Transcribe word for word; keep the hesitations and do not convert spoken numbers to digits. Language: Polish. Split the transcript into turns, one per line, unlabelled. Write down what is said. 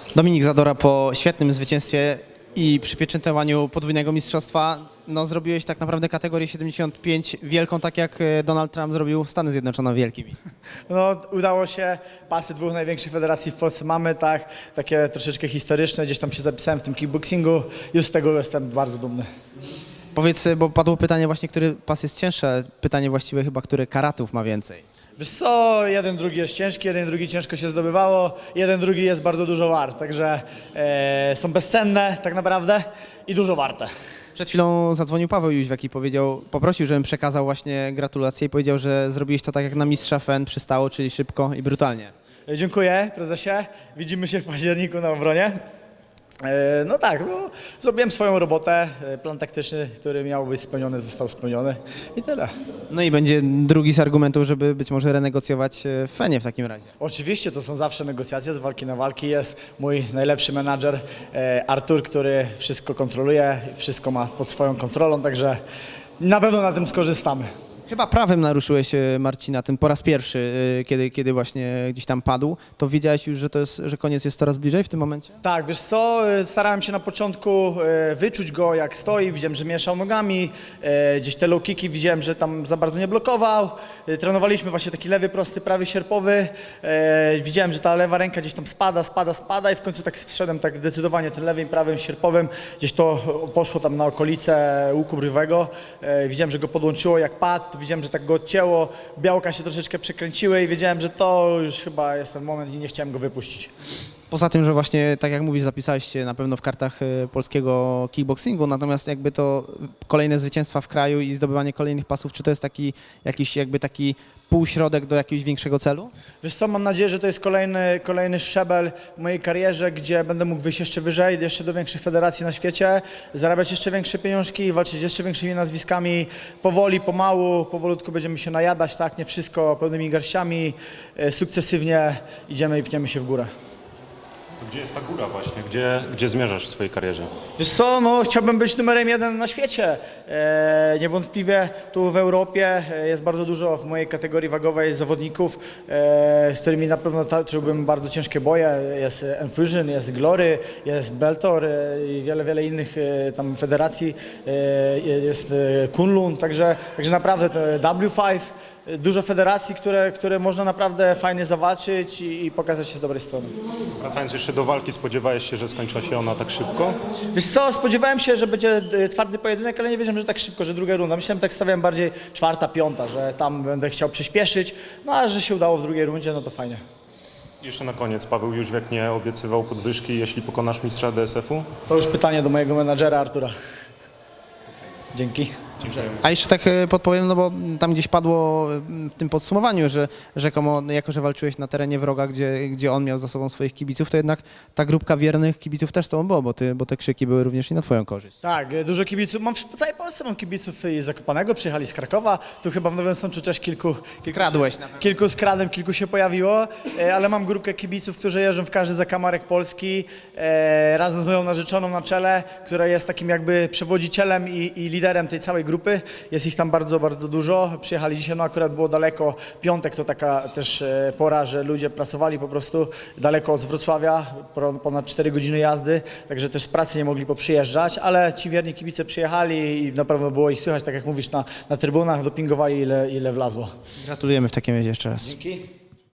Dominik Zadora po świetnym zwycięstwie i przypieczętowaniu podwójnego mistrzostwa, no zrobiłeś tak naprawdę kategorię siedemdziesiąt pięć wielką, tak jak Donald Trump zrobił Stany Zjednoczone wielkimi.
No, udało się, pasy dwóch największych federacji w Polsce mamy, tak, takie troszeczkę historyczne, gdzieś tam się zapisałem w tym kickboxingu, już z tego jestem bardzo dumny.
Powiedz, bo padło pytanie właśnie, który pas jest cięższy, ale pytanie właściwe chyba, który karatów ma więcej.
Wiesz co, jeden, drugi jest ciężki, jeden, drugi ciężko się zdobywało, jeden, drugi jest bardzo dużo wart, także e, są bezcenne tak naprawdę i dużo warte.
Przed chwilą zadzwonił Paweł Jóźwiak i powiedział, poprosił, żebym przekazał właśnie gratulacje i powiedział, że zrobiłeś to tak jak na mistrza F N przystało, czyli szybko i brutalnie.
E, dziękuję prezesie, widzimy się w październiku na obronie. E, no tak, no, zrobiłem swoją robotę, e, plan taktyczny, który miał być spełniony, został spełniony i tyle.
No i będzie drugi z argumentów, żeby być może renegocjować w F N ie w takim razie.
Oczywiście to są zawsze negocjacje, z walki na walki. Jest mój najlepszy menadżer e, Artur, który wszystko kontroluje, wszystko ma pod swoją kontrolą, także na pewno na tym skorzystamy.
Chyba prawem naruszyłeś e, Marcina tym po raz pierwszy, e, kiedy, kiedy właśnie gdzieś tam padł. To wiedziałeś już, że to jest, że koniec jest coraz bliżej w tym momencie?
Tak, wiesz co, e, starałem się na początku e, wyczuć go jak stoi, widziałem, że mieszał nogami, e, gdzieś te low kicki widziałem, że tam za bardzo nie blokował. E, Trenowaliśmy właśnie taki lewy, prosty, prawy, sierpowy. E, Widziałem, że ta lewa ręka gdzieś tam spada, spada, spada i w końcu tak wszedłem tak zdecydowanie tym lewym, prawym, sierpowym. Gdzieś to poszło tam na okolice łuku brywego. E, Widziałem, że go podłączyło jak padł. Widziałem, że tak go odcięło, białka się troszeczkę przekręciły i wiedziałem, że to już chyba jest ten moment i nie chciałem go wypuścić.
Poza tym, że właśnie, tak jak mówisz, zapisałeś się na pewno w kartach e, polskiego kickboxingu, natomiast jakby to kolejne zwycięstwa w kraju i zdobywanie kolejnych pasów, czy to jest taki jakiś jakby taki półśrodek do jakiegoś większego celu?
Wiesz co, mam nadzieję, że to jest kolejny, kolejny szczebel w mojej karierze, gdzie będę mógł wyjść jeszcze wyżej, jeszcze do większych federacji na świecie, zarabiać jeszcze większe pieniążki, walczyć z jeszcze większymi nazwiskami. Powoli, pomału, powolutku będziemy się najadać, tak, nie wszystko pełnymi garściami, e, sukcesywnie idziemy i pniemy się w górę.
To gdzie jest ta góra właśnie? Gdzie, gdzie zmierzasz w swojej karierze?
Wiesz co, no chciałbym być numerem jeden na świecie. E, niewątpliwie tu w Europie e, jest bardzo dużo w mojej kategorii wagowej zawodników, e, z którymi na pewno toczyłbym bardzo ciężkie boje. Jest Enfusion, jest Glory, jest Beltor e, i wiele, wiele innych e, tam federacji. E, jest e, Kunlun, także, także naprawdę to W pięć, e, dużo federacji, które, które można naprawdę fajnie zawalczyć i, i pokazać się z dobrej strony.
Wracając jeszcze do walki, spodziewałeś się, że skończy się ona tak szybko?
Wiesz co, spodziewałem się, że będzie e, twardy pojedynek, ale nie wiedziałem, że tak szybko, że druga runda. Myślałem, tak stawiałem bardziej czwarta, piąta, że tam będę chciał przyspieszyć, no a że się udało w drugiej rundzie, no to fajnie.
Jeszcze na koniec, Paweł Jóźwiak nie obiecywał podwyżki, jeśli pokonasz mistrza D S F u?
To już pytanie do mojego menadżera Artura. Dzięki.
A jeszcze tak e, podpowiem, no bo tam gdzieś padło e, w tym podsumowaniu, że rzekomo, no jako że walczyłeś na terenie wroga, gdzie, gdzie on miał za sobą swoich kibiców, to jednak ta grupka wiernych kibiców też z tobą było, bo, ty, bo te krzyki były również i na twoją korzyść.
Tak, e, dużo kibiców, mam w całej Polsce mam kibiców i z Zakopanego, przyjechali z Krakowa, tu chyba w Nowym Sączu też kilku, kilku,
Skradłeś na pewno.
kilku skradłem, kilku się pojawiło, e, ale mam grupkę kibiców, którzy jeżdżą w każdy zakamarek Polski, e, razem z moją narzeczoną na czele, która jest takim jakby przewodzicielem i, i liderem tej całej grupy. Jest ich tam bardzo, bardzo dużo. Przyjechali dzisiaj, no akurat było daleko. Piątek to taka też e, pora, że ludzie pracowali po prostu daleko od Wrocławia, pro- ponad cztery godziny jazdy, także też z pracy nie mogli poprzyjeżdżać, ale ci wierni kibice przyjechali i na pewno było ich słychać, tak jak mówisz, na, na trybunach, dopingowali ile, ile wlazło.
Gratulujemy w takim razie jeszcze raz.
Dzięki.